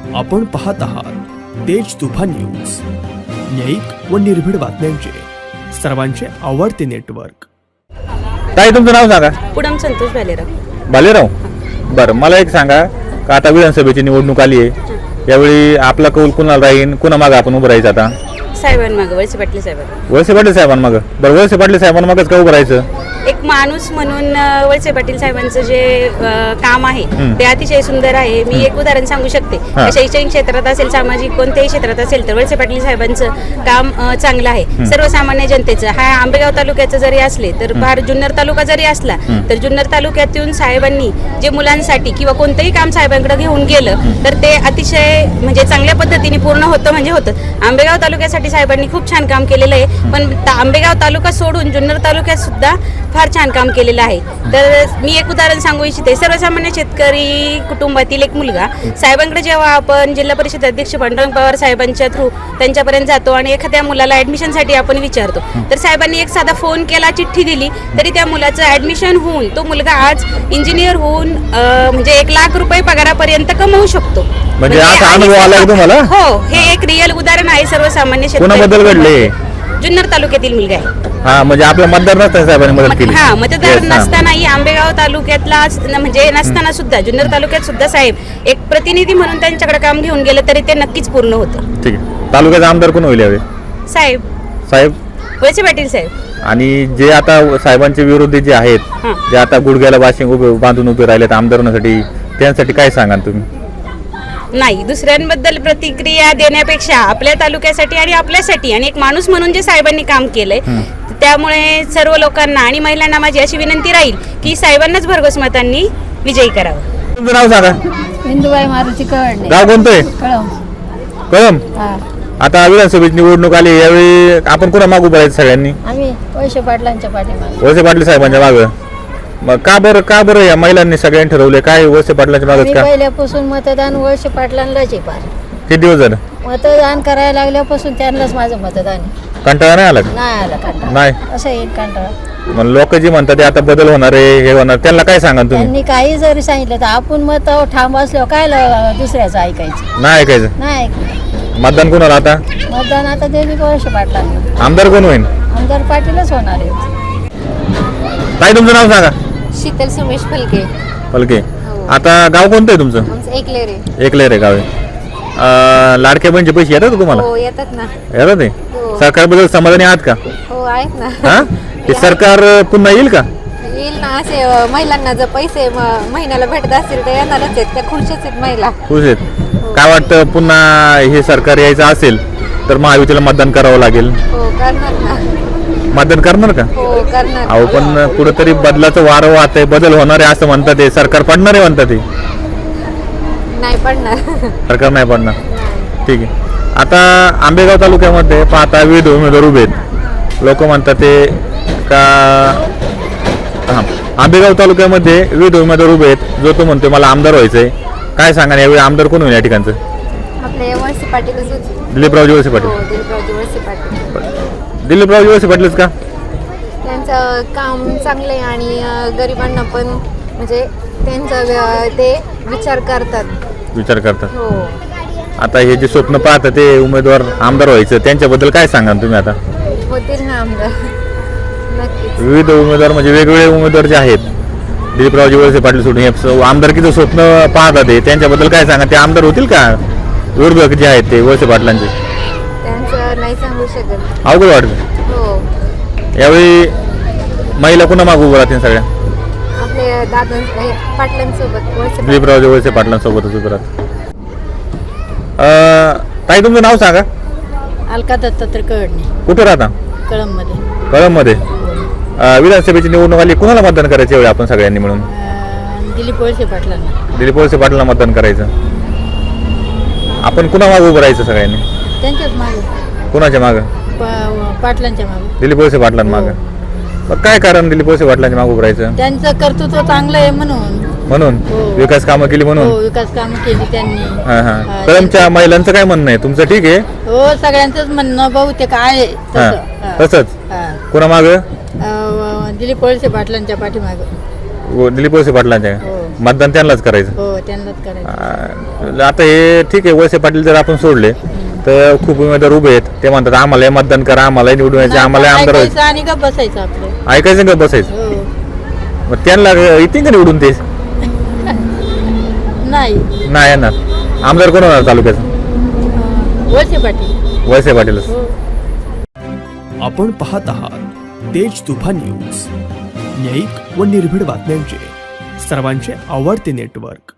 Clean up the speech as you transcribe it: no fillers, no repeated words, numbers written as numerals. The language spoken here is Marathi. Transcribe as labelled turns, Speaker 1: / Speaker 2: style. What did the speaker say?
Speaker 1: आपण पाहत आहात तेज तुफान न्यूज, न्यायिक व निर्भीड बातम्यांचे सर्वांचे आवडते नेटवर्क।
Speaker 2: ताई तुमचं नाव सांगा।
Speaker 3: पुढम संतोष भालेराव।
Speaker 2: भालेराव, बरं मला एक सांगा का आता विधानसभेची निवडणूक आली आहे, यावेळी आपला कौल कुणाला राहील, कुणा मागे आपण उभं राहायचं? आता
Speaker 3: साहेबांमागं, वळसे पाटील साहेबांना।
Speaker 2: वळसे पाटील साहेबांमागं? बरं, वळसे पाटील साहेबांमागच का उभं राहायचं?
Speaker 3: एक माणूस म्हणून वळसे पाटील साहेबांचं जे काम आहे ते अतिशय सुंदर आहे। मी एक उदाहरण सांगू शकते। शैक्षणिक क्षेत्रात असेल, सामाजिक कोणत्याही क्षेत्रात असेल तर वळसे पाटील साहेबांचं काम चांगलं आहे। सर्वसामान्य जनतेचं हा आंबेगाव तालुक्याचं जरी असले तर फार जुन्नर तालुका जरी असला तर जुन्नर तालुक्यातून साहेबांनी जे मुलांसाठी किंवा कोणतंही काम साहेबांकडे घेऊन गेलं तर ते अतिशय म्हणजे चांगल्या पद्धतीने पूर्ण होतं म्हणजे होतं। आंबेगाव तालुक्यासाठी साहेबांनी खूप छान काम केलेलं आहे, पण आंबेगाव तालुका सोडून जुन्नर तालुक्यात सुद्धा फार छान काम केलेलं आहे। तर मी एक उदाहरण सांगू इच्छिते। सर्वसामान्य शेतकरी कुटुंबातील एक मुलगा साहेबांकडे जेव्हा आपण जिल्हा परिषद अध्यक्ष पांडुरंग पवार साहेबांच्या थ्रू त्यांच्यापर्यंत जातो आणि एखाद्या मुलाला ॲडमिशनसाठी आपण विचारतो तर साहेबांनी एक साधा फोन केला, चिठ्ठी दिली तरी त्या मुलाचं ॲडमिशन होऊन तो मुलगा आज इंजिनियर होऊन म्हणजे 1 लाख रुपये पगारापर्यंत कमवू शकतो।
Speaker 2: म्हणजे असा अनुभव आला तुम्हाला?
Speaker 3: हो, हे एक रिअल उदाहरण आहे। सर्वसामान्य
Speaker 2: कोणाबद्दल घडले?
Speaker 3: जुन्नर तालुक्यातील मुलगा आहे।
Speaker 2: हा, म्हणजे आपला मतदार नसताना साहेबांनी मदत केली?
Speaker 3: हा, मतदार नसतानाही आंबेगाव तालुक्यातला म्हणजे नसताना सुद्धा जुन्नर तालुक्यात सुद्धा साहेब एक प्रतिनिधी म्हणून त्यांच्याकडे काम घेऊन गेलं तरी ते नक्कीच पूर्ण होतं।
Speaker 2: ठीक आहे, तालुक्याचा आमदार कोण होईल यावेळी? साहेब
Speaker 3: वळसे पाटील साहेब।
Speaker 2: आणि जे आता साहेबांचे विरोधी जे आहेत, जे आता गुडघ्याला बाशिंग बांधून उभे राहिलेत आमदारांसाठी, त्यांसाठी काय सांगाल तुम्ही?
Speaker 3: नाही, दुसऱ्यांबद्दल प्रतिक्रिया देण्यापेक्षा आपल्या तालुक्यासाठी आणि आपल्यासाठी आणि एक माणूस म्हणून जे साहेबांनी काम केलंय त्यामुळे सर्व लोकांना आणि महिलांना माझी अशी विनंती राहील की साहेबांनाच भरघोस मतांनी विजयी करावं।
Speaker 2: तुमचं नाव सांगा।
Speaker 4: इंदुबाई मारुती कळणे।
Speaker 2: गाव कोणतं आहे? कळम। आता विधानसभेची निवडणूक आली, यावेळी आपण कोणा मागू उभं राहायचं सगळ्यांनी?
Speaker 4: आम्ही वळसे पाटलांच्या पाठीमागे।
Speaker 2: वळसे पाटील साहेबांच्या मागं? मग का बरं या महिलांनी सगळ्यांनी ठरवले काय वळसे पाटलांच्या मागच का?
Speaker 4: पहिल्यापासून मतदान वळसे पाटलांनाच आहे। पार
Speaker 2: किती दिवस झालं
Speaker 4: मतदान करायला लागल्यापासून त्यांनाच माझं मतदान आहे।
Speaker 2: कंटाळा नाही आला?
Speaker 4: नाही आला कंटाळा।
Speaker 2: नाही
Speaker 4: असं येईल कंटाळा?
Speaker 2: मग लोक जी म्हणतात आता बदल होणार आहे, हे होणार, त्यांना काय सांगा तुम्ही?
Speaker 4: त्यांनी काही जरी सांगितलं तर आपण मत ठाम असल्यावर काय दुसऱ्याचं ऐकायचं?
Speaker 2: नाही ऐकायचं?
Speaker 4: नाही ऐकायचं।
Speaker 2: मतदान कोणाला आता?
Speaker 4: मतदान आता ते वळसे पाटलांना।
Speaker 2: आमदार कोण होईल?
Speaker 4: आमदार पाटीलच होणार आहे।
Speaker 2: ताई तुमचं नाव सांगा।
Speaker 5: शीतल सुमेश फलके।
Speaker 2: फलके। आता गाव कोणतं आहे तुमचं? एकलेर आहे गाव आहे। लाडक्या बहिणीचे पैसे येतात का तुम्हाला?
Speaker 5: हो, येतात ना।
Speaker 2: येतात ते? सरकारबद्दल समाधानी आहात का?
Speaker 5: हो, आहेत ना।
Speaker 2: हा, हे सरकार पुन्हा येईल का?
Speaker 5: येईल ना। असे महिलांना जर पैसे महिन्याला भेटत असतील तर येणारच आहेत, त्या खुशच आहेत महिला।
Speaker 2: खुश आहेत? काय वाटतं, पुन्हा हे सरकार यायचं असेल तर महायुतीला मतदान करावं लागेल?
Speaker 5: हो, करणार ना।
Speaker 2: मतदान करणार का?
Speaker 5: हो, करणार।
Speaker 2: अहो पण कुठेतरी बदलाचं वारं वाहत आहे, बदल होणार आहे असं म्हणतात, ते सरकार पडणार आहे म्हणतात, ते
Speaker 5: नाही पडणार।
Speaker 2: सरकार नाही पडणार? ठीक आहे। आता आंबेगाव तालुक्यामध्ये पाहता विविध उमेदवार उभे आहेत, लोक म्हणतात ते का हां, आंबेगाव तालुक्यामध्ये विविध उमेदवार उभे आहेत, जो तो म्हणतो मला आमदार व्हायचंय, काय सांगा यावेळी आमदार कोण होईल या ठिकाणचं?
Speaker 5: आपले वळसे पाटीलच होते।
Speaker 2: दिलीपरावजी वळसे पाटील?
Speaker 5: हो, दिलीपरावजी वळसे पाटील।
Speaker 2: दिलीपरावजी वळसे पाटीलच का?
Speaker 5: त्यांचं काम चांगलं आहे आणि गरिबांना पण म्हणजे त्यांचं ते विचार करतात। हो।
Speaker 2: आता हे जे स्वप्न पाहतात ते उमेदवार आमदार व्हायचं, त्यांच्याबद्दल काय सांगा तुम्ही? आता
Speaker 5: होतील ना आमदार, नक्कीच।
Speaker 2: विविध उमेदवार म्हणजे वेगवेगळे उमेदवार जे आहेत, दिलीपरावजी वळसे पाटील सोडून हे आमदारकीचं स्वप्न पाहतात ते, त्यांच्याबद्दल काय सांगा? ते आमदार होतील का? विरोधक जे आहेत ते वळसे पाटलांचे,
Speaker 5: त्यांचं नाही सांगू शकत।
Speaker 2: अवघड वाटतं?
Speaker 5: हो।
Speaker 2: यावेळी महिला कुणा मागू उभं राहतील? सगळ्या
Speaker 5: आपले दादा पाटलांसोबत,
Speaker 2: दिलीपरावजी वळसे पाटलांसोबतच उभं राहतात। ताई तुमचं नाव सांगा।
Speaker 4: अलका दत्तात्रय कळणे।
Speaker 2: कुठे राहता?
Speaker 4: कळममध्ये।
Speaker 2: कळममध्ये? विधानसभेची निवडणूक आली, कुणाला मतदान करायचं यावेळी आपण सगळ्यांनी मिळून?
Speaker 4: दिलीप वळसे पाटलांना।
Speaker 2: दिलीप वळसे पाटलांना मतदान करायचं। आपण कुणा मागं उभं राहायचं सगळ्यांनी?
Speaker 4: त्यांच्याच मागे।
Speaker 2: कुणाच्या मागं?
Speaker 4: पाटलांच्या मागे।
Speaker 2: दिलीप वळसे पाटलांमागं? मग काय कारण दिलीप वळसे पाटलांच्या मागं उभं राहायचं?
Speaker 4: त्यांचं कर्तृत्व चांगलं आहे म्हणून
Speaker 2: विकास कामं केली म्हणून?
Speaker 4: विकास कामं केली त्यांनी।
Speaker 2: कळमच्या महिलांचं काय म्हणणं आहे? तुमचं ठीक आहे?
Speaker 4: हो, सगळ्यांचंच म्हणणं बहुतेक आहे तसंच।
Speaker 2: कुणा मागं?
Speaker 4: दिलीप वळसे पाटलांच्या पाठीमागं।
Speaker 2: दिलीप वळसे पाटलांच्या
Speaker 4: हो.
Speaker 2: मतदान त्यांनाच करायचं.
Speaker 4: हो त्यांनाच करायचं.
Speaker 2: आता हे ठीक आहे, वळसे पाटील जर आपण सोडले तर खूप उमेदवार उभे आहेत, ते म्हणतात आम्हालाही मतदान करा, आम्हालाही निवडून यायचे, आम्हाला आमदार व्हायचं.
Speaker 4: ऐकायचं आणि गप्प बसायचं आपलं.
Speaker 2: ऐकायचं का बसायचं?
Speaker 4: हो.
Speaker 2: मग त्यांना येतील का निवडून ते?
Speaker 4: नाही
Speaker 2: नाही येणार. आमदार कोण होणार तालुक्याचं?
Speaker 4: वळसे पाटील.
Speaker 2: वळसे पाटीलच.
Speaker 4: हो.
Speaker 1: आपण पाहत आहात तेज तुफान न्यूज, न्यायिक व निर्भीड बातम्यांचे सर्वांचे आवडते नेटवर्क.